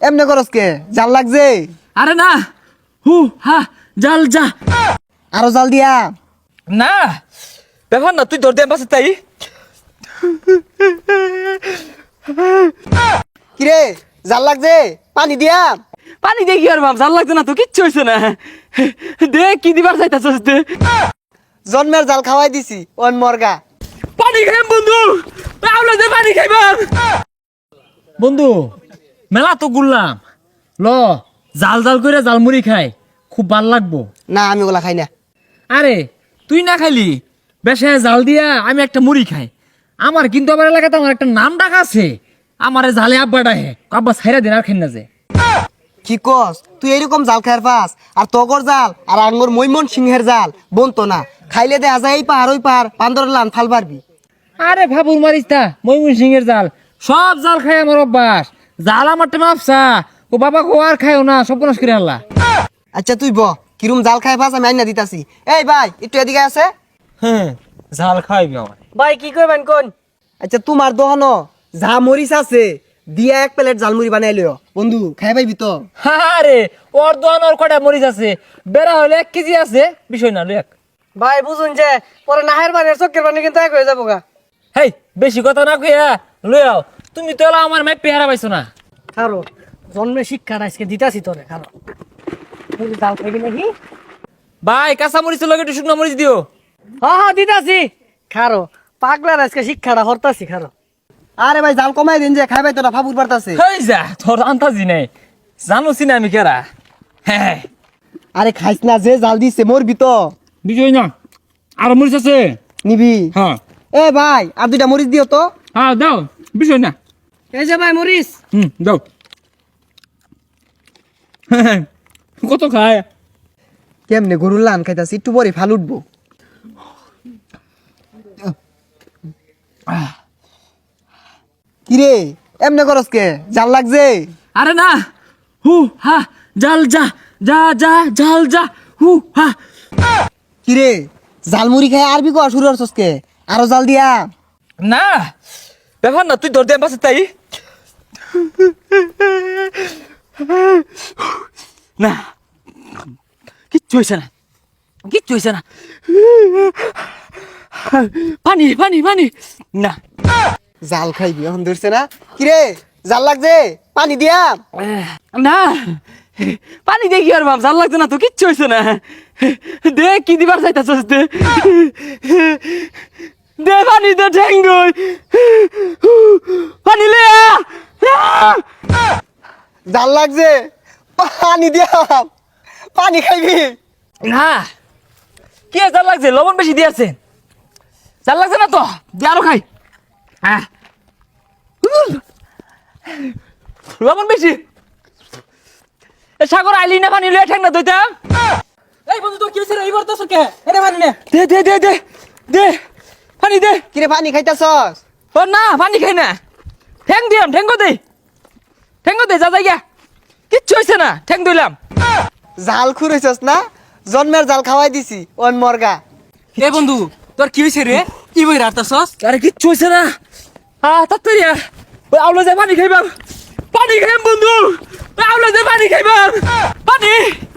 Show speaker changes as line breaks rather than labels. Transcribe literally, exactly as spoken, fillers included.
এমনে করস কে? জাল লাগছে?
আরে না, হু হা জাল যা।
আরো জাল দিয়া?
না ব্যাপার না, তুই ধর দে পাশে তাই।
কিরে জাল লাগছে? পানি দিয়া?
পানি দেখি আর বাপ, জাল লাগছে না তো, কিচ্ছু হয়েছে না। দে কি দিবার চাইতাছস দে।
জন্মের জাল খাওয়াই দিছি ওন মর্গা।
পানি খাইম বন্ধু, আউলা দে পানি খাইবাম। বন্ধু মেলা তো ঘুরলাম, ল জাল জাল করে জালমুড়ি খাই, খুব ভাল লাগবো।
না আমি ওগুলা খাই না।
আরে তুই না খাইলি, বেশে জাল দিয়া আমি একটা মুড়ি খাই। আমার কিন্তু আমার এলাকাতে আমার একটা নাম ডাক আছে, আমারে জালে আব্বা ডাহে, আব্বা ছাইরা দিন আর খাই না যে।
কি কস? তুই এরকম জাল খাইর পাস আর তগর জাল আর আঙ্গুর মৈমন সিংহের জাল বনতো না। খাইলে দেখা যায় এই পাহাড় ওই পাহাড় বান্দর লান ফাল পারবি।
আরে ভাবুর মারিস তা, ময়মন সিংহের জাল সব জাল খাই আমার অভ্যাস। জাল আমার টেমা আপসা, ও বাবা কো আর খাইও না, সব নাশ করে আল্লাহ।
আচ্ছা তুই ব কিরম জাল খাই পাস আমি আইনা দিতাছি। এই ভাই একটু এদিকে আছে।
হ্যাঁ জাল খাইবি আমার।
ভাই কি করবেন কোন? আচ্ছা তোমার দোকানো যা মরিচ আছে দিয়া এক প্লেট জালমুড়ি বানাই লিও বন্ধু, খাই পাইবি তো?
আরে ওর দোয়ান ওর কটা মরিচ আছে, বেড়া হলে এক কেজি আছে, বিষয় না লই এক।
ভাই বুঝুন যে পরে নাহের বানি আর চক্কের বানি কিন্তু এক হয়ে যাবো গা।
হেই বেশি কথা না কইয়া লই আও, তুমি তো এলা আমার মাই পেহারা পাইছো না।
খারো জন্মে শিক্ষাটা আজকে দিতাছি তোরে, খারো জাল খাইবি নাকি?
ভাই কাঁচা মরিচ লগে একটু শুকনো মরিচ দিও।
হ্যাঁ হ্যাঁ দিতাছি, খারো পাগলার আজকে শিক্ষাটা হরতাছি, খারো। আরে ভাই জাল কমাই দিন যে খাইবাই তোরা ফাবুর পারতাছে।
হেই যা তোর আন্তাজি নাই, জানোছি না আমি কেরা। হ্যাঁ
আরে খাইস না, যে জাল দিছে মরবি তো।
বিষয় না, আর মরিচ আছে
নিবি?
হ্যাঁ।
এ ভাই আর দুইটা মরিচ দিও তো।
হ্যাঁ দাও, বিষয় না।
এই যে ভাই মরিচ।
হুম দাও। কত খায়?
কেমনে গরুর লান খাইতাছি, একটু পরে ফাল উঠবো। কিরে এমনে করস কে? জাল লাগছে?
আরে না, হু হা জাল যা যা যা জাল যা হু হা।
কিরে জালমুড়ি খাই আরবি কয়া শুরু করছস কে? আরো জাল দিয়া?
না ব্যাপার না, তুই ধর দে পাশে তাই। না কিচ্ছু হয়েছে না, কিচ্ছু হয়েছে না। পানি পানি পানি না।
জাল খাইবি এখন ধরছে না? কিরে জাল লাগছে? পানি দিয়া?
না পানি দেখি আর বাপ, জাল লাগছে না তো, কিচ্ছু হয়েছে না। দে কি দিবার চাইতাছস দে, দে পানি দে ঠেঙ্গই পানি লে আ।
জাল লাগছে? পানি দিয়া? পানি খাইবি?
না কি আর জাল লাগছে, লবণ বেশি দিয়েছে। জাল লাগছে না তো, দিয়ে আরো খাই। হ্যাঁ লবণ বেশি। এ সাগর আইলি না পানি লয়ে ঠেং না দইতাম। এই বন্ধু তো কি হইছে রে, এইবার তো সরকে এটা পানি নে। দে দে দে দে দে পানি দে।
কিরে পানি খাইতাছস?
ও না পানি খাই না, ঠ্যাং দিলাম, ঠ্যাঙ্গ দে, ঠ্যাঙ্গ দে, যা যাই গা, কিচ্ছু হয়েছে না, ঠ্যাং দিলাম।
জাল খুঁড়েছস না? জন্মের জাল খাওয়াই দিছি ওন মর্গা।
এ বন্ধু তোর কি হয়েছে রে, কি বই রাতাছস? আরে কিচ্ছু হয়েছে না, আ তাড়াতাড়ি আ, ওই আউলা যায় পানি খাইবাম, পানি খাইম বন্ধু, ওই আউলা যায় পানি খাইবাম, পানি।